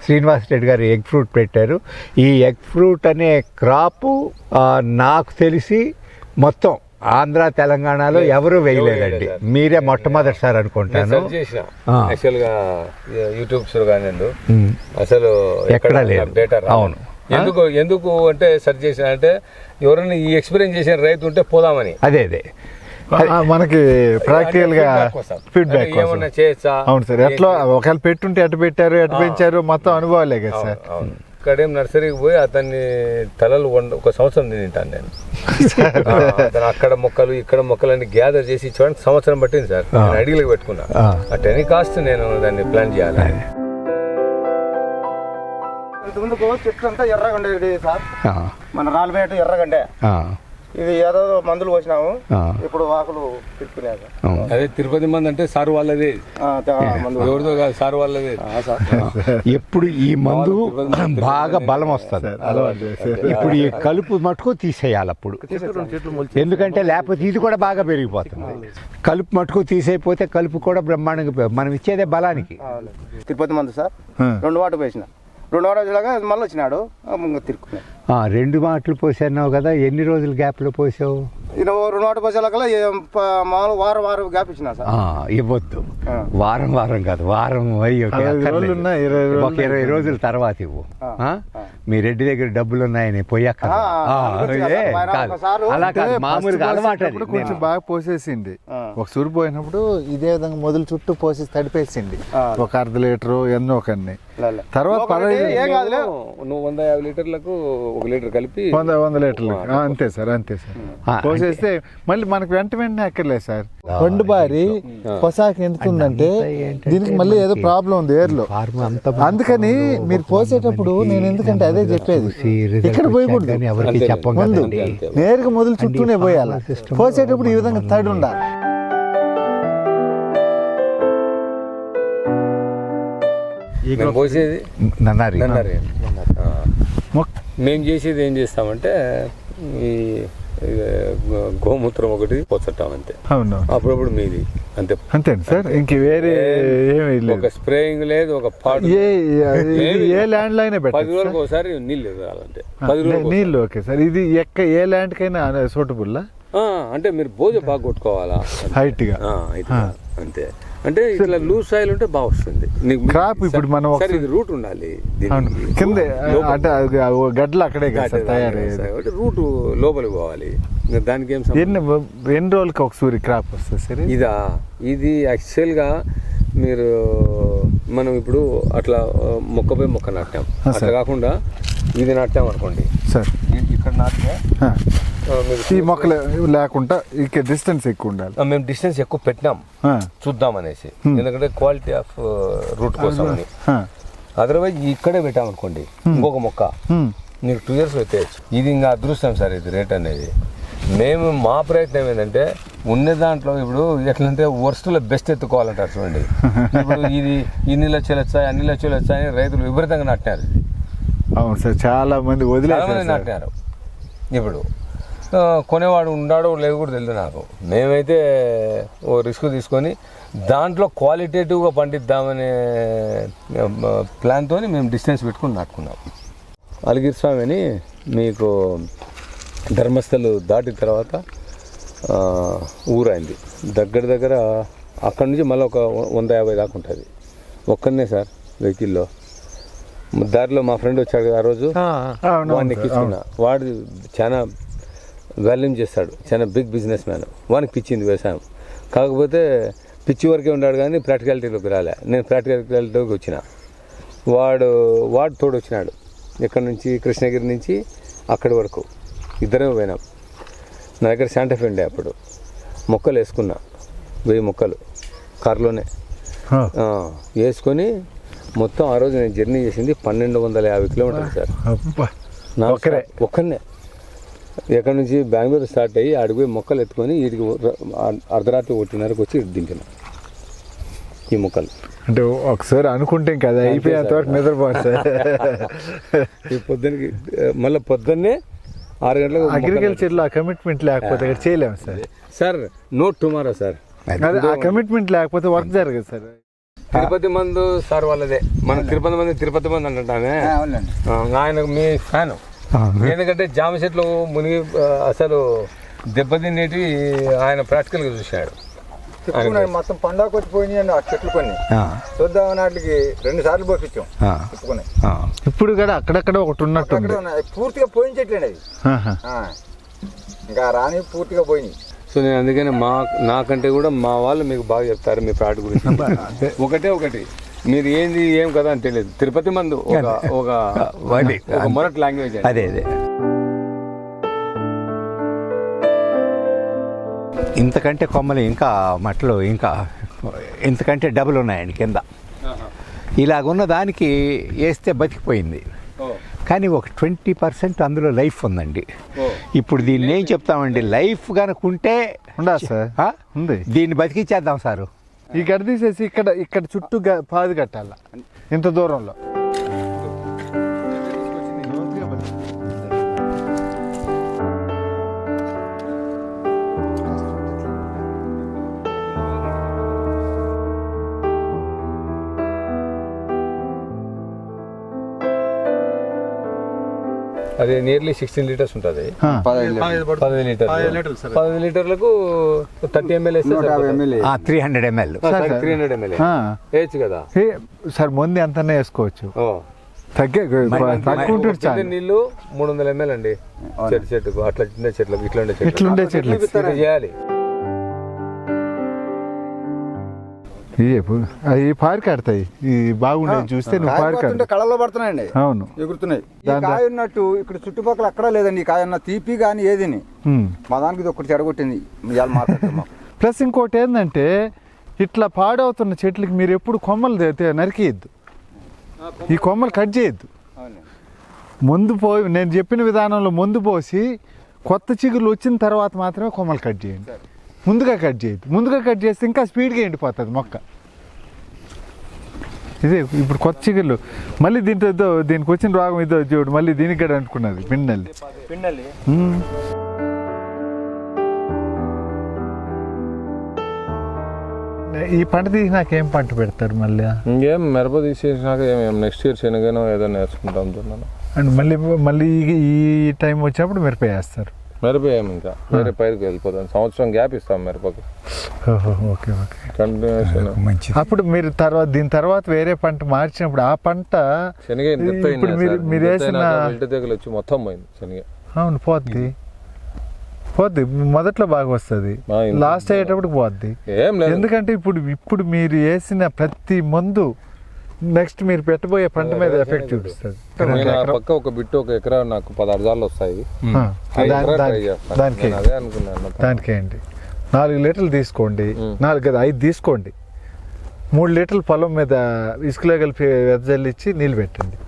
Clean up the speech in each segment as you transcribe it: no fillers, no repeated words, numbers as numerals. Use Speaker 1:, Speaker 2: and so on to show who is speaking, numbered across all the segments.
Speaker 1: శ్రీనివాస్ రెడ్డి గారు egg fruit పెట్టారు. ఈ ఎగ్ ఫ్రూట్ అనే క్రాపు నాకు తెలిసి మొత్తం ఆంధ్ర తెలంగాణలో ఎవరు వేయలేదండి. మీరే మొట్టమొదటిసారి అనుకుంటాను.
Speaker 2: యాక్చువల్గా యూట్యూబ్స్ కానీ అసలు
Speaker 1: ఎక్కడా లేదు. అవును.
Speaker 2: ఎందుకు అంటే సెర్చ్ చేసిన అంటే ఎవరైనా ఈ ఎక్స్పీరియన్స్ చేసిన రైతు ఉంటే పోదామని.
Speaker 1: అదే
Speaker 3: మనకి ప్రాక్టికల్ గా ఫీడ్బ్యాక్
Speaker 2: ఏమన్నా చేయొచ్చా.
Speaker 3: అవును సార్. ఎట్లా ఒకవేళ పెట్టుంటే ఎటు పెట్టారు ఎటు పెంచారు మొత్తం అనుభవాలే కదా సార్.
Speaker 2: ఇక్కడేం నర్సరీకి పోయి అతన్ని తలలు ఒక సంవత్సరం తింటాను నేను. అక్కడ మొక్కలు ఇక్కడ మొక్కలన్నీ గ్యాదర్ చేసి ఇచ్చడానికి సంవత్సరం పట్టింది సార్. నేను అడిగిలకు పెట్టుకున్నా. అట్ ఎనీ కాస్ట్ నేను దాన్ని ప్లాన్ చేయాలి.
Speaker 4: ఇంతకుముందుకు చెట్లు అంతా ఎర్రగా ఉండేది సార్. మన రాళ్ళపేట ఎర్రగండే ఇది ఏదో మందులు పోసినాము. ఇప్పుడు ఆకులు తిప్పుకునేది.
Speaker 2: అదే తిరుపతి మంది అంటే సార్ వాళ్ళదే, ఎవరిదో కాదు, సార్ వాళ్ళదే.
Speaker 1: ఎప్పుడు ఈ మందు బాగా బలం వస్తుంది. ఇప్పుడు ఈ కలుపు మటుకు తీసేయాలి అప్పుడు, ఎందుకంటే లేకపోతే ఇది కూడా బాగా పెరిగిపోతుంది. కలుపు మటుకు తీసేయపోతే కలుపు కూడా బ్రహ్మాండంగా మనం ఇచ్చేదే బలానికి.
Speaker 4: తిరుపతి మందు సార్ 2 వాటర్ వేసిన 2 రోజులుగా మళ్ళీ వచ్చినాడు తిరుక్కున్నాడు.
Speaker 1: 2 మాటలు పోసావు కదా, ఎన్ని రోజులు గ్యాప్ లో పోసావు?
Speaker 4: 2 వాటర్ పోసేలాగా మామూలు వారం గ్యాప్ ఇచ్చిన సార్.
Speaker 1: ఇవ్వద్దు, వారం కాదు, వారం ఒక 20 రోజుల తర్వాత ఇవ్వు. మీ రెడ్డి దగ్గర డబ్బులు ఉన్నాయని పోయాక అలా కాదు, మామూలుగా అలవాటు.
Speaker 3: కొంచెం బాగా పోసేసింది. ఒక సూరు పోయినప్పుడు ఇదే విధంగా మొదలు చుట్టూ పోసేసి తడిపేసింది. ఒక 1/2 లీటరు ఎన్నో కన్ని. తర్వాత
Speaker 2: 15 నువ్వు 150 లీటర్లకు 1 లీటర్ కలిపి
Speaker 3: 100 లీటర్లు అంతే సార్. పోసేస్తే మళ్ళీ మనకు వెంటనే అక్కర్లేదు సార్. పండు బారి పొసాకి ఎందుకుందంటే దీనికి మళ్ళీ ఏదో ప్రాబ్లం ఉంది ఏర్లో. అందుకని మీరు పోసేటప్పుడు నేను ఎందుకంటే అదే చెప్పేది, ఇక్కడ పోయకూడదు, ముందు నేరుగా మొదలు చుట్టూనే పోయాలి. పోసేటప్పుడు ఈ విధంగా తడి ఉండాలి.
Speaker 2: పోసేది
Speaker 1: నన్నారి.
Speaker 2: మేము చేసేది ఏం చేస్తామంటే ఈ గోమూత్రం ఒకటి పోసట్టాం అంతే. అప్పుడప్పుడు మీది అంతే
Speaker 3: అంతే సార్. ఇంక వేరే
Speaker 2: ఒక స్ప్రేయింగ్ లేదు, ఒక పాటు
Speaker 3: ఏ ల్యాండ్ లో అయినా
Speaker 2: 10 రోజులకు ఒకసారి నీళ్ళు ఇవ్వాలంటే 10 రోజులు
Speaker 3: నీళ్ళు. Okay sir. ఇది ఏ ల్యాండ్ కైనా సూటబుల్
Speaker 2: అంటే మీరు బోజ బాగా కొట్టుకోవాలా
Speaker 3: హైట్ గా
Speaker 2: అంతే. అంటే ఇట్లా లూజ్ సాయిల్ ఉంటే బాగా వస్తుంది
Speaker 3: క్రాప్. ఇప్పుడు మనం
Speaker 2: ఇది రూట్ ఉండాలి
Speaker 3: కింద అంటే గడ్డలు అక్కడే
Speaker 2: తయారయ్యేది, రూట్ లోపలికి పోవాలి. దానికి
Speaker 3: ఎన్ని రోజులకి ఒక సూరి క్రాప్ వస్తుంది సార్?
Speaker 2: ఇది యాక్చువల్గా మీరు మనం ఇప్పుడు అట్లా మొక్కపై మొక్క నాటాం, అట్లా కాకుండా ఇది నాటాం అనుకోండి సార్. ఇక్కడ నాటితే
Speaker 3: ఈ మొక్కలు లేకుండా ఇక్కడ డిస్టెన్స్ ఎక్కువ ఉండాలి.
Speaker 2: మేము డిస్టెన్స్ ఎక్కువ పెట్టినాం చూద్దాం అనేసి, ఎందుకంటే క్వాలిటీ ఆఫ్ రూట్ కోసం అని. అదర్వైజ్ ఇక్కడే పెట్టాం అనుకోండి ఇంకొక మొక్క నీకు 2 years పెట్టేయచ్చు. ఇది ఇంకా అదృష్టం సార్ ఇది రేట్ అనేది. మేము మా ప్రయత్నం ఏంటంటే ఉన్న దాంట్లో ఇప్పుడు ఎట్లంటే వర్స్ట్లో బెస్ట్ ఎత్తుకోవాలంటారు చూడండి. ఇప్పుడు ఇది ఇన్ని లక్షలు వచ్చాయి అన్ని లక్షలు వచ్చాయని రైతులు విపరీతంగా నాటినారు.
Speaker 3: అవును సార్, చాలా మంది
Speaker 2: నాటినారు. ఇప్పుడు కొనేవాడు ఉన్నాడో లేదు కూడా తెలియదు నాకు. మేమైతే ఓ రిస్క్ తీసుకొని దాంట్లో క్వాలిటేటివ్గా పండిద్దామనే ప్లాన్తో మేము డిస్టెన్స్ పెట్టుకుని నాటుకున్నాం. అలిగిరి స్వామి అని మీకు ధర్మస్థలు దాటిన తర్వాత ఊరైంది దగ్గర అక్కడి నుంచి మళ్ళీ ఒక 150 దాకా ఉంటుంది. ఒక్కనే సార్ వెహికల్లో. దారిలో మా ఫ్రెండ్ వచ్చాడు కదా ఆ రోజు, వాడిని ఎక్కించుకున్నా. వాడు చాలా వాల్యూమ్ చేస్తాడు, చాలా బిగ్ బిజినెస్ మ్యాన్. వానికి పిచ్చింది వ్యవసాయం, కాకపోతే పిచ్చి వరకే ఉన్నాడు కానీ ప్రాక్టికాలిటీలోకి రాలే. నేను ప్రాక్టికాలిటీలోకి వచ్చిన. వాడు తోడు వచ్చినాడు ఇక్కడ నుంచి కృష్ణగిరి నుంచి అక్కడి వరకు ఇద్దరే పోయినాం. నా దగ్గర శాంటాఫే ఉండే అప్పుడు. మొక్కలు వేసుకున్నా 1000 మొక్కలు కారులోనే వేసుకొని మొత్తం ఆ రోజు నేను జర్నీ చేసింది 1250 కిలోమీటర్లు సార్. ఒక్కనే ఎక్కడి నుంచి బెంగళూరు స్టార్ట్ అయ్యి అడిగిపోయి మొక్కలు ఎత్తుకొని వీటికి అర్ధరాత్రి 1:30కి వచ్చి దింపిన ఈ మొక్కలు.
Speaker 3: అంటే ఒకసారి అనుకుంటే కదా అయిపోయేంత వరకు నిద్రపోవాలి సార్.
Speaker 2: ఈ పొద్దున్నకి మళ్ళీ పొద్దున్నే 6 గంటలకు.
Speaker 3: అగ్రికల్చర్లో ఆ కమిట్మెంట్ లేకపోతే ఇక్కడ చేయలేము sir.
Speaker 2: Sir no tomorrow sir.
Speaker 3: ఆ కమిట్మెంట్ లేకపోతే వర్క్ జరగదు సార్.
Speaker 2: తిరుపతి మందు సార్ వాళ్ళదే. మన తిరుపతి మంది అంటామే. ఆయన మీ ఫ్యాన్, ఎందుకంటే జామ చెట్లు మునిగి అసలు దెబ్బతినేటి ఆయన ప్రాక్టికల్గా చూశాడు.
Speaker 4: మొత్తం పండుగ వచ్చి పోయినాయి ఆ చెట్లు కొన్ని చూద్దామని వాటికి 2 సార్లు పోపించాం.
Speaker 3: ఇప్పుడు కూడా అక్కడక్కడ ఒకటి ఉన్నట్టు
Speaker 4: పూర్తిగా పోయిన చెట్లండి అవి, ఇంకా రాని పూర్తిగా పోయినాయి.
Speaker 2: సో నేను అందుకని నాకంటే కూడా మా వాళ్ళు మీకు బాగా చెప్తారు మీ ప్లాట్ గురించి. ఒకటి మీరు ఏంది ఏం కదా అని తెలియదు. తిరుపతి మందు ఒక మొరటి లాంగ్వేజ్.
Speaker 1: అదే ఇంతకంటే కొమ్మలు ఇంకా మట్టలు ఇంకా ఇంతకంటే డబుల్ ఉన్నాయండి కింద. ఇలాగున్న దానికి వేస్తే బతికిపోయింది, కానీ ఒక 20% అందులో లైఫ్ ఉందండి. ఇప్పుడు దీన్ని ఏం చెప్తామండి, లైఫ్ కనుక ఉంటే
Speaker 3: ఉంది,
Speaker 1: దీన్ని బతికిచ్చేద్దాం సారు.
Speaker 3: ఈ గడ్డ తీసేసి ఇక్కడ చుట్టూ పాది కట్టాల ఇంత దూరంలో.
Speaker 2: అది నియర్లీ 16 లీటర్స్ ఉంటుంది. 15 లీటర్లకు 30 ml
Speaker 1: 300 ml
Speaker 2: వేయచ్చు కదా
Speaker 3: సార్. ముందు ఎంత వేసుకోవచ్చు, తక్కువ
Speaker 2: నీళ్లు 300 ml అండి చెట్టుకు. అట్లా చిన్న చెట్లకు ఇట్లుండే చెట్లు చేయాలి.
Speaker 3: అవి పారికాడతాయి, బాగుండేది చూస్తే నువ్వు పారికాడు
Speaker 4: కళలో పడుతున్నాయండి.
Speaker 3: అవును,
Speaker 4: ఎగురుతున్నాయి. కాయ ఉన్నట్టు ఇక్కడ చుట్టుపక్కల అక్కడ లేదండి. ఈ కాయ ఉన్న తీపి కానీ ఏదిని మా దానికి ఇది ఒకటి చెడగొట్టింది.
Speaker 3: ప్లస్ ఇంకోటి ఏంటంటే, ఇట్లా పాడవుతున్న చెట్లకి మీరు ఎప్పుడు కొమ్మలు నరికేయద్దు, ఈ కొమ్మలు కట్ చేయొద్దు. నేను చెప్పిన విధానంలో ముందు పోసి కొత్త చిగురు వచ్చిన తర్వాత మాత్రమే కొమ్మలు కట్ చేయండి. ముందుగా కట్ చేయద్దు. ముందుగా కట్ చేస్తే ఇంకా స్పీడ్గా ఎండిపోతుంది మొక్క. ఇదే ఇప్పుడు కొత్త చిగుళ్ళు మళ్ళీ దీనికి వచ్చిన రోగం ఇదో చూడు, మళ్ళీ దీనికి కూడా అంటుకున్నది పిండల్లి. ఈ పంట తీసినాక ఏం పంట పెడతారు మళ్ళీ?
Speaker 2: ఇంకేం మిరప తీసేసినాక నెక్స్ట్ ఇయర్ శనగనో ఏదైనా వేసుకుంటాం.
Speaker 3: అండ్ మళ్ళీ ఈ టైం వచ్చినప్పుడు మిరప వేస్తారు.
Speaker 2: మిరప ఏమి ఇంకా వేరే పైరుకి వెళ్ళిపోతాం. సంవత్సరం గ్యాప్ ఇస్తాం మిరపకి.
Speaker 3: Okay continuation. అప్పుడు మీరు దీని తర్వాత వేరే పంట మార్చినప్పుడు ఆ పంట
Speaker 2: శనగ
Speaker 3: మీరు వేసిన
Speaker 2: తెగులు వచ్చి మొత్తం పోయింది శనగ.
Speaker 3: అవును, పోద్ది. మొదట్లో బాగా వస్తుంది, లాస్ట్ అయ్యేటప్పుడు పోద్ది. ఎందుకంటే ఇప్పుడు మీరు వేసిన ప్రతి మందు నెక్స్ట్ మీరు పెట్టబోయే పంట మీద ఎఫెక్ట్ చూపిస్తుంది.
Speaker 2: పక్క ఒక బిట్టు 1 ఎకరా నాకు 16 జాలు వస్తాయి.
Speaker 3: దానికి ఏంటి 4 లీటర్లు తీసుకోండి, 5 తీసుకోండి. 3 లీటర్లు పొలం మీద ఇసుకలో కలిపి వెదజల్లిచ్చి నీళ్ళు పెట్టండి.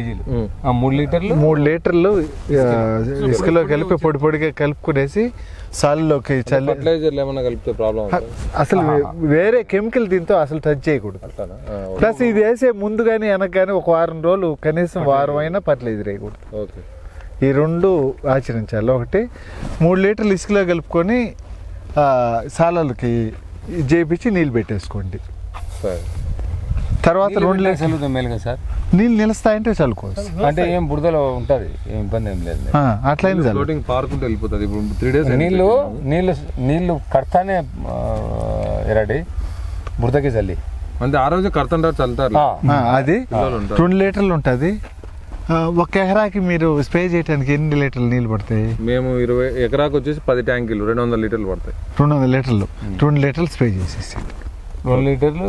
Speaker 3: 3 లీటర్లు ఇసుకలో కలిపి పొడిగా కలుపుకునేసి సాల్లోకి
Speaker 2: ఫర్టిలైజర్లు ఏమైనా కలిపితే ప్రాబ్లం.
Speaker 3: అసలు వేరే కెమికల్ దీంతో అసలు టచ్ చేయకూడదు. ప్లస్ ఇది వేసే ముందు కానీ వెనక కానీ ఒక వారం రోజులు కనీసం వారం అయినా ఫర్టిలైజర్ వేయకూడదు. ఈ 2 ఆచరించాలి. ఒకటి 3 లీటర్లు ఇసుకలో కలుపుకొని సాలలకి చేపించి నీళ్ళు పెట్టేసుకోండి. తర్వాత 2 లీటర్లు
Speaker 2: మేలుగా సార్
Speaker 3: నీళ్ళు నిలుస్తాయంటే చల్లుకోవచ్చు.
Speaker 2: అంటే ఏం బురదలో ఉంటుంది, ఏం ఇబ్బంది ఏం లేదు.
Speaker 3: అట్లయింది
Speaker 2: పారుకుంటూ వెళ్ళిపోతుంది. ఇప్పుడు 3 days నీళ్ళు కడతానే ఎరాడి బురదకి చల్లి అంటే ఆ రోజు కడతాంటారు చల్లుతారు.
Speaker 3: అది 2 లీటర్లు ఉంటుంది. 1 ఎకరాకి మీరు స్ప్రే చేయడానికి ఎన్ని లీటర్లు నీళ్ళు పడతాయి?
Speaker 2: మేము 20 ఎకరాకి వచ్చేసి 10 ట్యాంకులు 200 లీటర్లు పడతాయి.
Speaker 3: 200 లీటర్లు 2 లీటర్లు స్ప్రే చేసేసి
Speaker 2: 2 లీటర్లు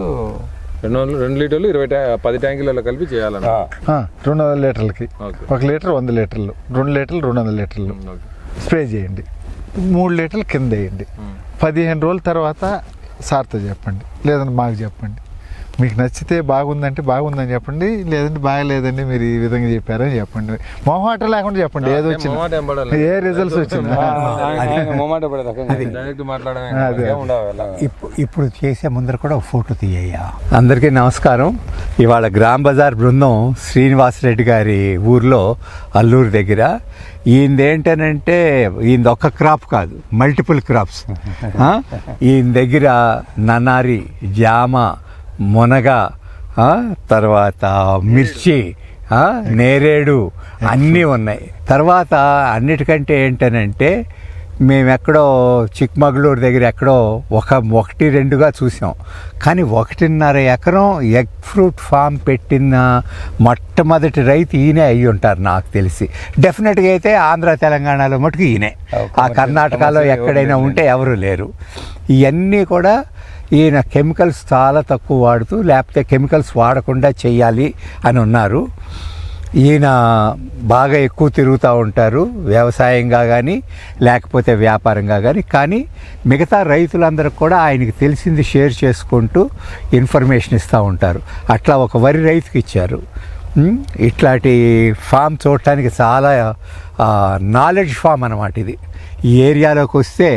Speaker 2: 10 ట్యాంకులలో కలిపి చేయాలన్న.
Speaker 3: 200 లీటర్లకి 1 లీటర్ 100 లీటర్లు, 2 లీటర్లు 200 లీటర్లు స్ప్రే చేయండి. 3 లీటర్లు కింద వేయండి. 15 రోజుల తర్వాత సార్తో చెప్పండి, లేదంటే మాకు చెప్పండి. మీకు నచ్చితే బాగుందంటే బాగుందని చెప్పండి, లేదంటే బాగలేదండి మీరు ఈ విధంగా చెప్పారని చెప్పండి. మొహమాట లేకుండా చెప్పండి, ఏదో వచ్చింది, ఏ రిజల్ట్స్ వచ్చింది.
Speaker 1: ఇప్పుడు చేసే ముందర కూడా ఒక ఫోటో తీయ్యా. అందరికీ నమస్కారం. ఇవాళ గ్రామ్ బజార్ బృందం శ్రీనివాసరెడ్డి గారి ఊర్లో అల్లూరు దగ్గర. ఈయనదేంటనంటే ఈయన ఒక్క క్రాప్ కాదు, మల్టిపుల్ క్రాప్స్. ఈయన దగ్గర నన్నారి, జామ, మునగ, తర్వాత మిర్చి, నేరేడు అన్నీ ఉన్నాయి. తర్వాత అన్నిటికంటే ఏంటనంటే మేము ఎక్కడో చిక్మగళూరు దగ్గర ఎక్కడో 1-2గా చూసాం, కానీ 1.5 ఎకరం ఎగ్ ఫ్రూట్ ఫామ్ పెట్టిన మొట్టమొదటి రైతు ఈయనే అయ్యి ఉంటారు నాకు తెలిసి. డెఫినెట్గా అయితే ఆంధ్ర తెలంగాణలో మటుకు ఈయనే, ఆ కర్ణాటకలో ఎక్కడైనా ఉంటే ఎవరు లేరు. ఇవన్నీ కూడా ఈయన కెమికల్స్ చాలా తక్కువ వాడుతూ, లేకపోతే కెమికల్స్ వాడకుండా చెయ్యాలి అని ఉన్నారు. ఈయన బాగా ఎక్కువ తిరుగుతూ ఉంటారు, వ్యవసాయంగా కానీ లేకపోతే వ్యాపారంగా కానీ. కానీ మిగతా రైతులందరికీ కూడా ఆయనకి తెలిసింది షేర్ చేసుకుంటూ ఇన్ఫర్మేషన్ ఇస్తూ ఉంటారు. అట్లా ఒక వరి రైతుకి ఇచ్చారు. ఇట్లాంటి ఫామ్ చూడటానికి చాలా నాలెడ్జ్ ఫామ్ అన్నమాట ఇది. ఈ ఏరియాలోకి వస్తే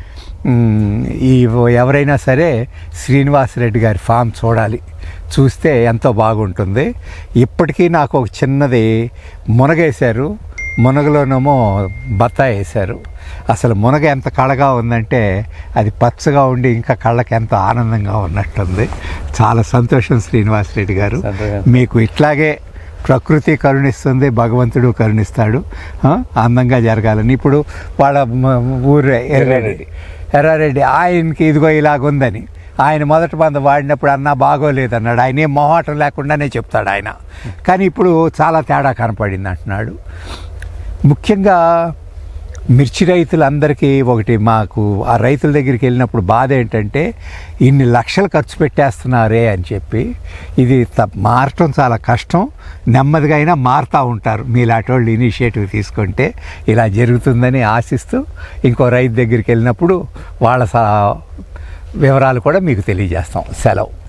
Speaker 1: ఎవరైనా సరే శ్రీనివాసరెడ్డి గారి ఫామ్ చూడాలి, చూస్తే ఎంతో బాగుంటుంది. ఇప్పటికీ నాకు ఒక చిన్నది మునగేశారు, మునగలోనేమో బత్తాయి వేశారు. అసలు మునగ ఎంత కళగా ఉందంటే అది పచ్చగా ఉండి ఇంకా కళ్ళకి ఎంతో ఆనందంగా ఉన్నట్టుంది. చాలా సంతోషం శ్రీనివాసరెడ్డి గారు, మీకు ఇట్లాగే ప్రకృతి కరుణిస్తుంది, భగవంతుడు కరుణిస్తాడు, అందంగా జరగాలని. ఇప్పుడు వాళ్ళ ఊరు ఎర్రారెడ్డి, ఆయనకి ఇదిగో ఇలాగుందని ఆయన మొదటి మందు వాడినప్పుడు అన్నా బాగోలేదన్నాడు. ఆయన ఏం మొహాటం లేకుండానే చెప్తాడు ఆయన. కానీ ఇప్పుడు చాలా తేడా కనపడింది అంటున్నాడు. ముఖ్యంగా మిర్చి రైతులందరికీ ఒకటి, మాకు ఆ రైతుల దగ్గరికి వెళ్ళినప్పుడు బాధ ఏంటంటే ఇన్ని లక్షలు ఖర్చు పెట్టేస్తున్నారే అని చెప్పి. ఇది మారటం చాలా కష్టం, నెమ్మదిగా అయినా మారుతూ ఉంటారు. మీలాంటి వాళ్ళు ఇనిషియేటివ్ తీసుకుంటే ఇలా జరుగుతుందని ఆశిస్తూ ఇంకో రైతు దగ్గరికి వెళ్ళినప్పుడు వాళ్ళ వివరాలు కూడా మీకు తెలియజేస్తాం. సెలవు.